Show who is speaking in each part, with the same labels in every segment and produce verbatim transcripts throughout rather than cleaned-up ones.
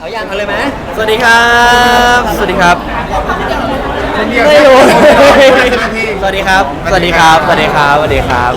Speaker 1: เอาอย่างเอาเลยไหม
Speaker 2: สวัสดีครับสวัสดีครับ
Speaker 3: ไม่
Speaker 2: ไม่
Speaker 3: รู้
Speaker 2: รู้สวัสดีครับสวัสดีครับสวัสดีครับสวัสดีครับ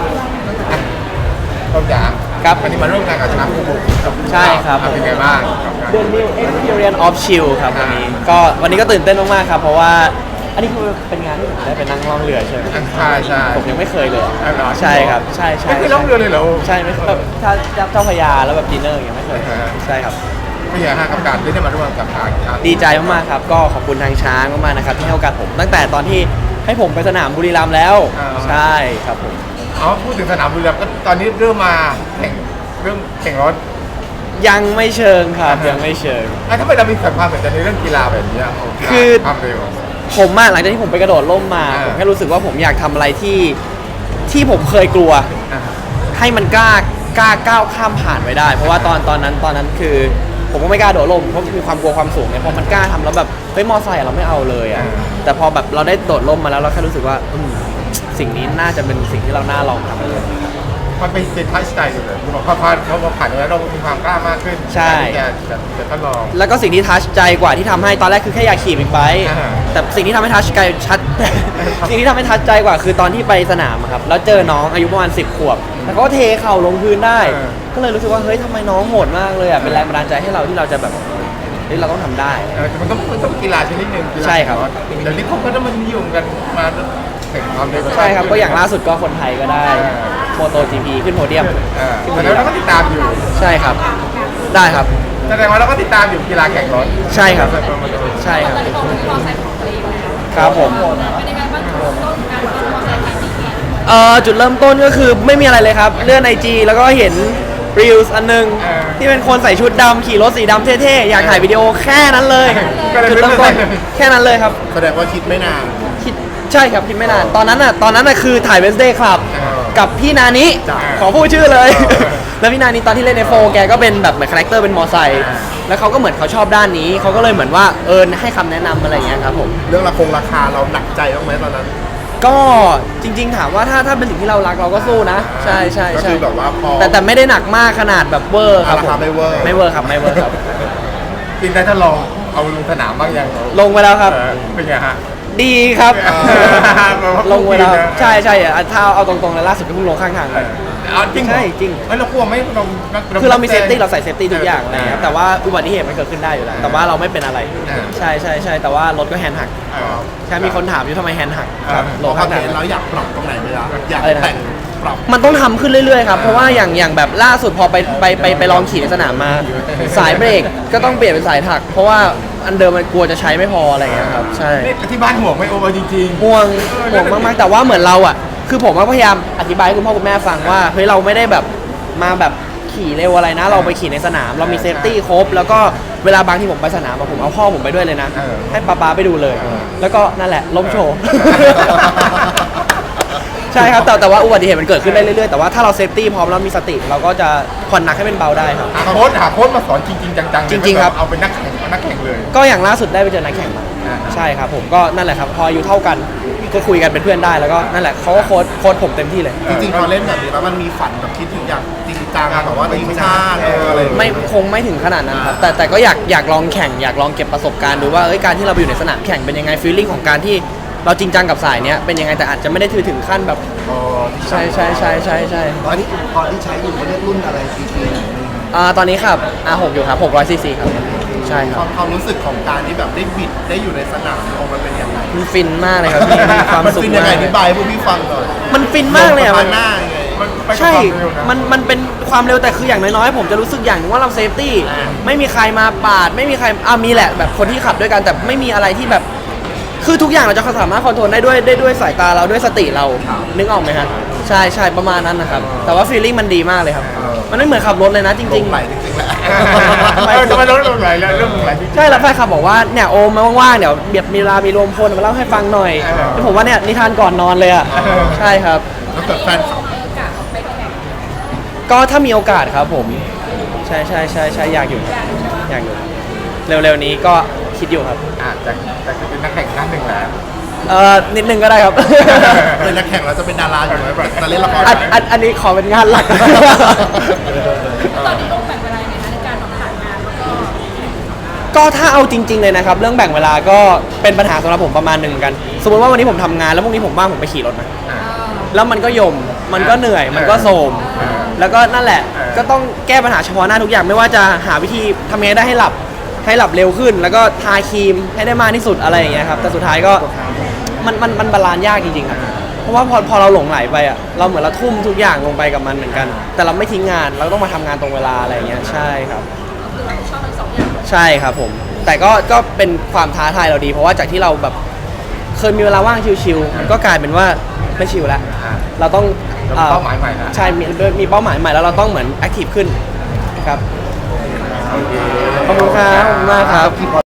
Speaker 3: ต้นจ๋า
Speaker 2: ครับ
Speaker 3: วันนี้มาร่วมงานกับชนะภูมิกับ
Speaker 2: ใช่ครับ
Speaker 3: เป็นไงบ้าง
Speaker 2: The New Experience of Chill ครับวันนี้ก็วันนี้ก็ตื่นเต้นมากๆครับเพราะว่าอันนี้คือเป็นงานที่ผมได้ไปนั่งล่องเรือใช่ไหม
Speaker 3: ใช่ใช่
Speaker 2: ผมยังไม่เคยเลย
Speaker 3: อ๋อเหรอ
Speaker 2: ใช่ครับใช่ใช่
Speaker 3: ไม่เคยล่องเรือเลยเหรอ
Speaker 2: ใช่ไม่เคยแบบถ้าเจ้าพระยาแล้วแบบดินเนอร์ยังไม่เคยใช่ครับ
Speaker 3: ไม่ใช่ฮะกับการที่ได้มาร่วมกับทางทาง
Speaker 2: ดีใจมากๆครับก็ขอบคุณทางช้างมากๆนะครับที่ให้โอกาสผมตั้งแต่ตอนที่ให้ผมไปสนามบุรีรัมย์แล้วใช่ครับผม
Speaker 3: อ๋อพูดถึงสนามบุรีรัมย์ก็ตอนนี้เริ่มมาแข่งเรื่องแข่งรถ
Speaker 2: ยังไม่เชิงครับยังไม่เชิง
Speaker 3: อ่ะถ้าไม่เรามีความสนใจในเรื่องกีฬาแบบนี้ะ
Speaker 2: คือ
Speaker 3: ความเร็ว
Speaker 2: ผมอะหลังจากที่ผมไปกระโดดร่มมา
Speaker 3: อ่า
Speaker 2: ผมแค่รู้สึกว่าผมอยากทำอะไรที่ที่ผมเคยกลัว
Speaker 3: อ่ะ
Speaker 2: ให้มันกล้ากล้าก้าวข้ามผ่านไปได้ เพราะว่าตอนตอนนั้นตอนนั้นคือ ผมก็ไม่กล้าโดดร่มเพราะมีความกลัวความสูงเนี่ยพอมันกล้าทำแล้วแบบเฮ้ยมอไซค์อะเราไม่เอาเลยอะแต่พอแบบเราได้โดดร่มมาแล้วเราแค่รู้สึกว่าอืมสิ่งนี้น่าจะเป็นสิ่งที่เราน่าลองทำเลย
Speaker 3: มันเป็นเป็นทัชใจอยู่เลยพอผ่านพอผ่านตรงนั้นเรามีความกล้ามากขึ้น
Speaker 2: ใช่
Speaker 3: ที่จะจะจะทดลอง
Speaker 2: แล้วก็สิ่งที่ทัชใจกว่าที่ทำให้ตอนแรกคือแค่อยากขี่บิ๊กไบค์
Speaker 3: อ่า
Speaker 2: แต่สิ่งที่ทำให้ทัชใจชัด สิ่งที่ทำให้ทัชใจกว่าคือตอนที่ไปสนามอะครับแล้วเจอน้องอายุประมาณสิบขวบแต่เขาก็เทเข่าลงพื้นได้ ก็เลยรู้สึกว่าเฮ้ยทำไมน้องโหดมากเลยอ่ะเป็นแรงบันดาลใจให้เราที่เราจะแบบเฮ้ยเราต้องทำได้
Speaker 3: เออแต่มันต้องมันต้องกีฬาชนิดหนึ่งกีฬา
Speaker 2: ใช่ครับ
Speaker 3: เดี๋ยวนี้เขาก็ต้องมันนิยมกันมาแข่งความเร็ว
Speaker 2: ใช่ครับก็อย่างล่าสุดก็คนไทยก็ได้โมโต จี พี ขึ้นโพเดียม
Speaker 3: เออแสดงว่าเราก็ติดตามอยู่
Speaker 2: ใช่ครับได้ครับ
Speaker 3: แสดงว่าเราก็ติดตามอยู่กีฬาแข่งรถ
Speaker 2: ใช่ครับใช่ครับ
Speaker 4: ตอนนี้ผมมีมอไซค์ของตัวเองแล้ว
Speaker 2: ครับผม
Speaker 4: เป็นยังไงบ้างจุดเริ่มต้นการเป็นมอไซค์ขายดี
Speaker 2: เอ่อจุดเริ่มต้นก็คือไม่มีอะไรเลยครับเลื่อนไอจีแล้วก็เห็นรีลส์อันหนึงที่เป็นคนใส่ชุดดำขี่รถสีดำเท่ๆอยากถ่ายวิดีโอแค่นั้นเลยจุดเริ่มต้นแค่นั้นเลยครับ
Speaker 3: แสดงว่าคิดไม่นาน
Speaker 2: คิดใช่ครับคิดไม่นานตอนนั้นอ่ะตอนนั้นอ่ะคือถ่ายเวนสเดย์ครับกับพี่นานิ
Speaker 3: จ้ะ
Speaker 2: ขอพูดชื่อเลย
Speaker 3: เออ
Speaker 2: แล้วพี่นานิตอนที่เล่นในโฟแกก็เป็นแบบเหมือนคาแรคเตอร์เป็นมอไซค์แล้วเขาก็เหมือนเขาชอบด้านนี้เขาก็เลยเหมือนว่าเออให้คำแนะนำอะไรอย่างเงี้ยครับผม
Speaker 3: เรื่องราคงราคาเราหนักใจบ้างไหมตอนนั้น
Speaker 2: ก็จริงๆถามว่าถ้าถ้าเป็นสิ่งที่เรารักเราก็สู้นะ ใช่ใช่
Speaker 3: ก็
Speaker 2: ใช่
Speaker 3: คือแบบว่าพอ
Speaker 2: แต่แต่ไม่ได้หนักมากขนาดแบบเวอร์ครับ
Speaker 3: ราคาไม่เวอร์
Speaker 2: ไม่เวอร์ครับไม่เวอร์ครับ
Speaker 3: จริงได้ถ้าลองเอาลงสนามบ้างยัง
Speaker 2: ลงไปแล้วครับ
Speaker 3: เออเป็นไงฮะ
Speaker 2: ดีครับ
Speaker 3: เออ
Speaker 2: ลงไปแล้ว
Speaker 3: ดีนะ
Speaker 2: ใช่ใช่อ่ะถ้าเอาตรงๆเลยล่าสุดก็เพิ่งลงข้างทาง
Speaker 3: เอ
Speaker 2: ไป
Speaker 3: อเอาจริงเหอ
Speaker 2: ใช่จริง
Speaker 3: เฮ้ยเรากลัวไหมเรา
Speaker 2: คือเรามีเซฟตี้เราใส่เซฟตี้ทุกอย่างอะไรเงี้ยแต่ว่าอุบัติเหตุมันเกิดขึ้นได้อยู่แล้วแต่ว่าเราไม่เป็นอะไร ใช่ใช่ใช่แต่ว่ารถก็แฮนด์หัก
Speaker 3: เออ
Speaker 2: ใช่มีคนถามอยู่ทำไมแฮนด์หัก
Speaker 3: เออ
Speaker 2: ลงข้างทาง
Speaker 5: เราอยากปรับตรงไหนไหมล่ะอยาก
Speaker 2: อะไรนะ
Speaker 5: แต่งปรับ
Speaker 2: มันต้องทำขึ้นเรื่อยๆครับ เพราะว่าอย่างอย่างแบบล่าสุดพอไปไปไปไปลองขี่ในสนามมา สายเบรกก็ต้องเปลี่ยนเป็นสายถัก เพราะว่าอันเดิมมันกลัวจะใช้ไม่พออะไรอย่างเงี้ยครับ ใช่
Speaker 3: นี่ที่บ้านห่วงไหม่โอเวอร์จริงๆ
Speaker 2: ห่วงห่วงมากๆ แต่ว่าเหมือนเราอ่ะ คือผมก็พยายามอธิบายให้คุณพ่อคุณแม่ฟังว่าเฮ้ยเราไม่ได้แบบมาแบบขี่เร็วอะไรนะ เราไปขี่ในสนาม เรามีเซฟตี้ครบ แล้วก็เวลาบางที่ผมไปสนามอะผมเอาพ่อผมไปด้วยเลยนะ
Speaker 3: เออ
Speaker 2: ให้ป๊าป๊าไปดูเลย
Speaker 3: เออ
Speaker 2: แล้วก็นั่นแหละล้มโชว์ ใช่ครับแต่แต่ว่าอุบัติเหตุมันเกิดขึ้นได้เรื่อยๆแต่ว่าถ้าเราเซฟตี้พร้อมแล้วมีสติ เราก็จะผ่อนหนักให้เป็นเบาได้ครับ
Speaker 3: หาโค้ชหาโค้ชมาสอนจริงๆจังๆ
Speaker 2: จริงๆครับ
Speaker 3: เอาเป็นนักแข่งเอานักแข่งเลย
Speaker 2: ก็อย่างล่าสุดได้ไปเจอนักแข่งมา
Speaker 3: อ่า
Speaker 2: ใช่ครับผมก็นั่นแหละครับพออายุเท่ากันก็คุยกันเป็นเพื่อนได้แล้วก็นั่นแหละเขาก็โค้ชโค้ชผมเต็มที่เลย
Speaker 5: จริงๆพอเล่นแบบนี้แล้วมันมีฝันแบบคิดถึงอยากจริงจังแบบว่าทีมชาติเอออะไรอย่างเงี้ย
Speaker 2: ไม่คงไม่ถึงขนาดนั้นครับแต่แต่ก็อยากอยากลองแข่งอยากลองเก็บประสบการณ์ดูว่าเอ้ยการที่เราไปอยู่ในสนามแข่งเป็นยังไงฟีลลิ่งของการที่เราจริงจังกับสายเนี้ยเป็นยังไงแต่อาจจะไม่ได้ถือถึงขั้นแบบ
Speaker 5: อ๋อ
Speaker 2: ใช่ใช่ใช่ใช่ใช่
Speaker 5: ตอนนี้ตอนที่ใช้อยู่เขาเรียกรุ่นอะไรซีซี
Speaker 2: อ่าตอนนี้ครับ อาร์ หก อยู่ครับหกร้อยซีซีครับใช่ค
Speaker 5: ครับ วามความรู้สึกของการที่แบบได้บิดได้อยู่ในสนามของมันเป็นยังไง
Speaker 2: มันฟินมากเลยครับพี่มีความ
Speaker 5: มัน
Speaker 2: สุข
Speaker 5: เป็นยัง
Speaker 2: มา
Speaker 5: ไง
Speaker 2: ก
Speaker 5: อธิบายให้พวกพี่ฟังหน่อย
Speaker 2: มันฟินมากเลยอะ
Speaker 5: มั
Speaker 2: มัน น
Speaker 5: หน้าไง
Speaker 3: มันไปกับ
Speaker 2: ใช่
Speaker 3: ความเร็วนะ
Speaker 2: มัน มันเป็นความเร็วแต่คืออย่างน้อยๆ ผมจะรู้สึกอย่างหนึงว่าเราเซฟตี้ ไม่มีใครมาปาด ไม่มีใครอ่ามีแหละแบบคนที่ขับด้วยกัน แต่ไม่มีอะไรที่แบบ คือทุกอย่างเราจะสามารถคอนโทรลได้ด้วยได้ด้วยสายตาเราด้วยสติเรา นึกออกไหมครับ ใช่ใช่ประมาณนั้นนะครับ แต่ว่าฟีลลิ่งมันดีมากเลยครับ มันไม่เหมือนขับรถเลยนะจ
Speaker 5: ล
Speaker 2: ริง
Speaker 5: งไหลจริงๆแหละ
Speaker 3: เออจะมาลดลงไหลแล้วเรื่องลงไหลจริง
Speaker 2: ๆ ใช่แล้วแฟนขับบอกว่าเนี่ยโอมมาว่างๆ เดี๋ยวเบียบมีเวลามีรวมพลมาเล่าให้ฟังหน่อย
Speaker 3: เออ
Speaker 2: แล้วผมว่าเนี่ยนิทานก่อนนอนเลยอ่ะ
Speaker 3: เออ
Speaker 2: ใช่ครับ
Speaker 5: แล้วเกิดแฟนคลับ
Speaker 4: มีโอกาสออกไปแข่ง
Speaker 2: ก็ถ้ามีโอกาสครับผม ใช่ใช่ใช่ใช่อยากอยู่อยากอยู่ เร็วๆนี้ก็คิดอยู่ครับ
Speaker 3: ๆอาจจะจะเป็นนักแข่งท่านหนึ่งแหละ
Speaker 2: เอ่อนิดนึงก็ได้ครับ
Speaker 5: เป็นนักแข่งแล้วจะเป็นดาราอยู่ไหมแบบจะเล่นละคร
Speaker 2: อัน
Speaker 5: ไหม
Speaker 2: อันอันนี้ขอเป็นงานหลัก
Speaker 4: ตอนนี้ต้องแบ่งเวลายังไงคะในการทำผ่านงานแล้วก็
Speaker 2: ก็ถ้าเอาจริงๆเลยนะครับเรื่องแบ่งเวลาก็เป็นปัญหาสำหรับผมประมาณหนึ่งเหมือนกัน สมมติว่าวันนี้ผมทำงานแล้วพรุ่งนี้ผมว่างผมไปขี่รถนะ
Speaker 3: อ่า
Speaker 2: แล้วมันก็ยมมันก็เหนื่อยมันก็โทรมแล้วก็นั่นแหละ
Speaker 3: เออ
Speaker 2: ก็ต้องแก้ปัญหาเฉพาะหน้าทุกอย่างไม่ว่าจะหาวิธีทำยังไงได้ให้หลับให้หลับเร็วขึ้น แล้วก็ทาครีมให้ได้มากที่สุดอะไรอย่างเงี้ยครับแต่สุดท้ายก็มันมันมันบาลานซ์ยากจริงๆครับเพราะว่าพอพอเราหลงไหลไปอ่ะเราเหมือนเราทุ่มทุกอย่างลงไปกับมันเหมือนกัน แต่เราไม่ทิ้งงานเราต้องมาทำงานตรงเวลาอะไรอย่างเงี้ยใช่ครับ
Speaker 4: คือเราชอบทั้งสองอย่าง
Speaker 2: ใช่ครับผม แต่ก็ก็เป็นความท้าทายเราดี เพราะว่าจากที่เราแบบเคยมีเวลาว่างชิวๆก็กลายเป็นว่าไม่ชิวแล้ว
Speaker 3: อ่า
Speaker 2: เราต้อง
Speaker 3: เรามีเป้าหมายใหม่แล้ว
Speaker 2: ใช่มีมีเป้าหมายใหม่แล้วเราต้องเหมือนแอคทีฟขึ้นครับ
Speaker 3: โอเค
Speaker 2: ขอบคุณครับขอบคุณมากครับ